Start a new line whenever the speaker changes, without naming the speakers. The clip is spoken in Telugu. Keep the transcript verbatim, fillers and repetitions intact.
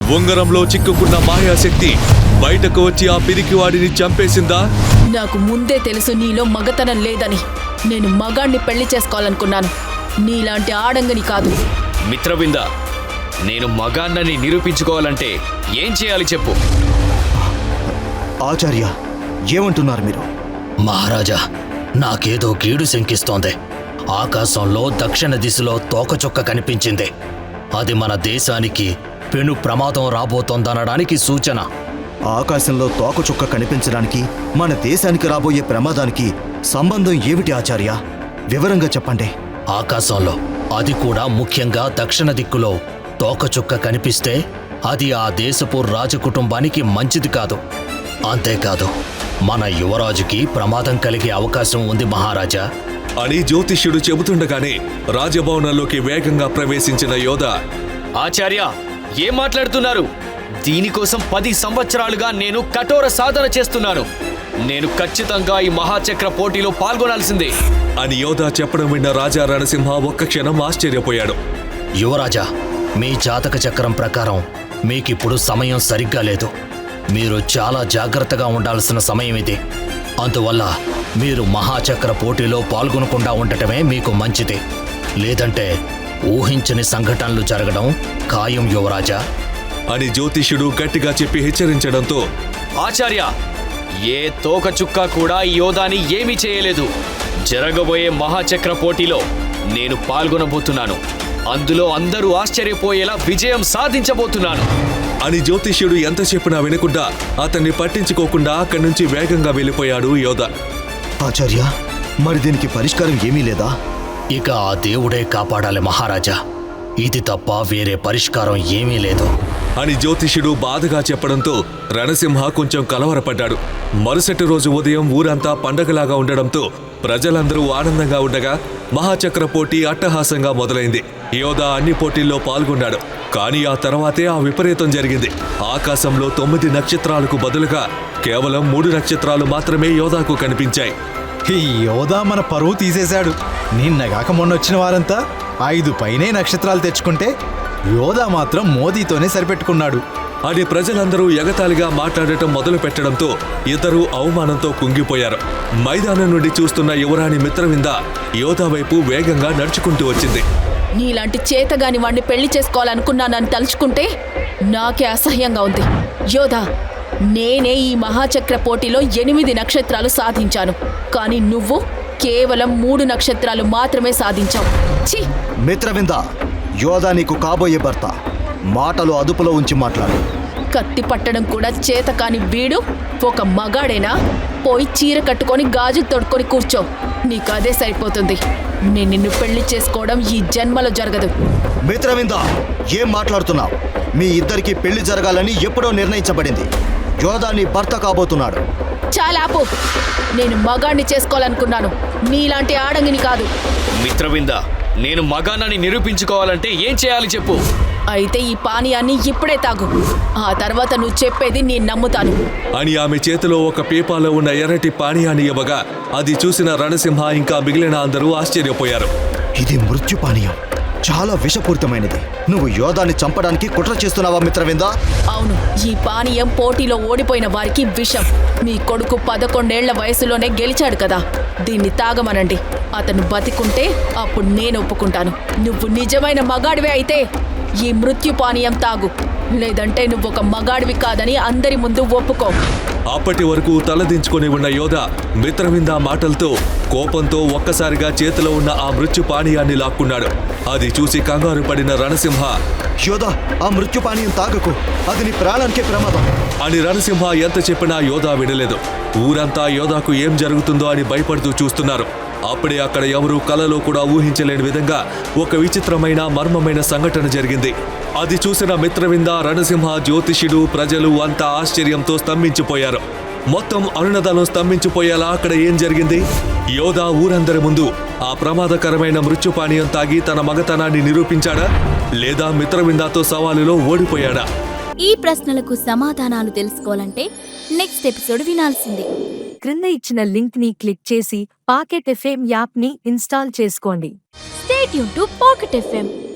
ఉంగరంలో చిక్కుకున్న మాయాశక్తి బయటకు వచ్చి ఆ పిరికివాడిని చంపేసిందా?
నాకు ముందే తెలుసు నీలో మగతనం లేదని. నేను మగాణ్ణి పెళ్లి చేసుకోవాలనుకున్నాను, నీలాంటి ఆడంగని కాదు.
మిత్రవింద, నేను మగాన్నని నిరూపించుకోవాలంటే ఏం చేయాలి చెప్పు.
ఆచార్య, ఏమంటున్నారు మీరు?
మహారాజా, నాకేదో కీడు శంకిస్తోంది. ఆకాశంలో దక్షిణ దిశలో తోకచుక్క కనిపించింది. అది మన దేశానికి పెను ప్రమాదం రాబోతోందనడానికి సూచన.
ఆకాశంలో తోకచుక్క కనిపించడానికి మన దేశానికి రాబోయే ప్రమాదానికి సంబంధం ఏమిటి ఆచార్య? వివరంగా చెప్పండి.
ఆకాశంలో, అది కూడా ముఖ్యంగా దక్షిణ దిక్కులో తోకచుక్క కనిపిస్తే అది ఆ దేశపు రాజకుటుంబానికి మంచిది కాదు. అంతేకాదు, మన యువరాజుకి ప్రమాదం కలిగే అవకాశం ఉంది మహారాజా
అని జ్యోతిష్యుడు చెబుతుండగానే రాజభవనంలోకి వేగంగా ప్రవేశించిన యోధ,
ఆచార్య, ఏం మాట్లాడుతున్నారు? దీనికోసం పది సంవత్సరాలుగా నేను కఠోర సాధన చేస్తున్నాను. నేను ఖచ్చితంగా ఈ మహాచక్ర పోటీలో పాల్గొనాల్సిందే
అని యోధ చెప్పడం విన్న రాజా రణసింహ ఒక్క క్షణం ఆశ్చర్యపోయాడు.
యువరాజా, మీ జాతక చక్రం ప్రకారం మీకిప్పుడు సమయం సరిగ్గా లేదు. మీరు చాలా జాగ్రత్తగా ఉండాల్సిన సమయం ఇది. అందువల్ల మీరు మహాచక్ర పోటీలో పాల్గొనకుండా ఉండటమే మీకు మంచిది. లేదంటే ఊహించని సంఘటనలు జరగడం ఖాయం యువరాజా
అని జ్యోతిష్యుడు గట్టిగా చెప్పి హెచ్చరించడంతో,
ఆచార్య, ఏ తోక చుక్క కూడా ఈ యోధాని ఏమీ చేయలేదు. జరగబోయే మహాచక్ర పోటీలో నేను పాల్గొనబోతున్నాను. అందులో అందరూ ఆశ్చర్యపోయేలా విజయం సాధించబోతున్నాను
అని జ్యోతిష్యుడు ఎంత చెప్పినా వినకుండా అతన్ని పట్టించుకోకుండా అక్కడి నుంచి వేగంగా వెళ్ళిపోయాడు యోధ.
ఆచార్య, మరి దీనికి పరిష్కారం ఏమీ లేదా?
ఇక ఆ దేవుడే కాపాడాలి మహారాజా. ఇది తప్ప వేరే పరిష్కారం ఏమీ లేదు
అని జ్యోతిష్యుడు బాధగా చెప్పడంతో రణసింహ కొంచెం కలవరపడ్డాడు. మరుసటి రోజు ఉదయం ఊరంతా పండగలాగా ఉండడంతో ప్రజలందరూ ఆనందంగా ఉండగా మహాచక్ర పోటీ అట్టహాసంగా మొదలైంది. యోధ అన్ని పోటీల్లో పాల్గొన్నాడు. కానీ ఆ తర్వాతే ఆ విపరీతం జరిగింది. ఆకాశంలో తొమ్మిది నక్షత్రాలకు బదులుగా కేవలం మూడు నక్షత్రాలు మాత్రమే యోధాకు కనిపించాయి.
ఈ యోధా మన పరువు తీసేశాడు. నిన్నగాక మొన్న వచ్చిన వారంతా ఐదు పైనే నక్షత్రాలు తెచ్చుకుంటే యోధా మాత్రం మోదీతోనే సరిపెట్టుకున్నాడు
అని ప్రజలందరూ ఎగతాళిగా మాట్లాడటం మొదలు పెట్టడంతో ఇద్దరూ అవమానంతో కుంగిపోయారు. మైదానం నుండి చూస్తున్న యువరాణి మిత్రవింద యోధా వైపు వేగంగా నడుచుకుంటూ వచ్చింది.
నీలాంటి చేతగాని వాణ్ణి పెళ్లి చేసుకోవాలనుకున్నానని తలుచుకుంటే నాకే అసహ్యంగా ఉంది. యోధా, నేనే ఈ మహాచక్ర పోటీలో ఎనిమిది నక్షత్రాలు సాధించాను, కానీ నువ్వు కేవలం మూడు నక్షత్రాలు మాత్రమే సాధించావు. ఛీ!
మిత్రవింద, యోధా నీకు కాబోయే భర్త. మాటలు అదుపులో ఉంచి మాట్లాడు.
కత్తి పట్టడం కూడా చేత కాని వీడు ఒక మగాడేనా? పోయి చీర కట్టుకొని గాజులు తొడుక్కొని కూర్చో. నీకు అదే సరిపోతుంది. నేను నిన్ను పెళ్లి చేసుకోవడం ఈ జన్మలో జరగదు.
మిత్రవింద, ఏం మాట్లాడుతున్నావు? మీ ఇద్దరికి పెళ్లి జరగాలని ఎప్పుడో నిర్ణయించబడింది. యోధా నీ భర్త కాబోతున్నాడు.
చాలా ఆపు. నేను మగాణ్ణి చేసుకోవాలనుకున్నాను, నీలాంటి ఆడంగిని కాదు.
మిత్రవింద, నేను మగాన్నని నిరూపించుకోవాలంటే ఏం చేయాలి చెప్పు.
అయితే ఈ పానీయాన్ని ఇప్పుడే తాగు. ఆ తర్వాత నువ్వు చెప్పేది నేను నమ్ముతాను
అని ఆమె చేతిలో ఒక పీపాలో ఉన్న ఎర్రటి పానీయాన్ని ఇవ్వగా అది చూసిన రణసింహ ఇంకా మిగిలిన అందరూ ఆశ్చర్యపోయారు.
ఇది మృత్యు పానీయం, చాలా విషపూరితమైనది. నువ్వు యోధాన్ని చంపడానికి కుట్ర చేస్తున్నావా మిత్రవింద?
అవును, ఈ పానీయం పోటీలో ఓడిపోయిన వారికి విషం. మీ కొడుకు పదకొండేళ్ల వయసులోనే గెలిచాడు కదా, దీన్ని తాగమనండి. అతను బతికుంటే అప్పుడు నేను ఒప్పుకుంటాను. నువ్వు నిజమైన మగాడివే అయితే ఈ మృత్యు పానీయం తాగు, లేదంటే నువ్వు ఒక మగాడివి కాదని అందరి ముందు ఒప్పుకో.
అప్పటి వరకు తలదించుకొని ఉన్న యోధ మిత్రవింద మాటలతో కోపంతో ఒక్కసారిగా చేతిలో ఉన్న ఆ మృత్యు పానీయాన్ని లాక్కున్నాడు. అది చూసి కంగారు పడిన రణసింహ,
యోధా, ఆ మృత్యు పానీయం తాగకు, అది నీ ప్రాణానికే ప్రమాదం
అని రణసింహ ఎంత చెప్పినా యోధా వినలేదు. ఊరంతా యోధాకు ఏం జరుగుతుందో అని భయపడుతూ చూస్తున్నారు. అప్పుడే అక్కడ ఎవరూ కలలో కూడా ఊహించలేని విధంగా ఒక విచిత్రమైన మర్మమైన సంఘటన జరిగింది. అది చూసిన మిత్రవింద, రణసింహ, జ్యోతిష్యుడు, ప్రజలు అంతా ఆశ్చర్యంతో స్తంభించిపోయారు. మొత్తం అరుణదలం స్తంభించిపోయేలా అక్కడ ఏం జరిగింది? యోధా ఊరందరి ముందు ఆ ప్రమాదకరమైన మృత్యుపానీయం తాగి తన మగతనాన్ని నిరూపించాడా, లేదా మిత్రవిందాతో సవాలులో ఓడిపోయాడా?
ఈ ప్రశ్నలకు సమాధానాలు తెలుసుకోవాలంటే నెక్స్ట్ ఎపిసోడ్ వినాల్సిందే.
క్రింద ఇచ్చిన లింక్ ని క్లిక్ చేసి పాకెట్ ఎఫ్ఎం యాప్ ని ఇన్స్టాల్ చేసుకోండి.
Stay tune to Pocket FM.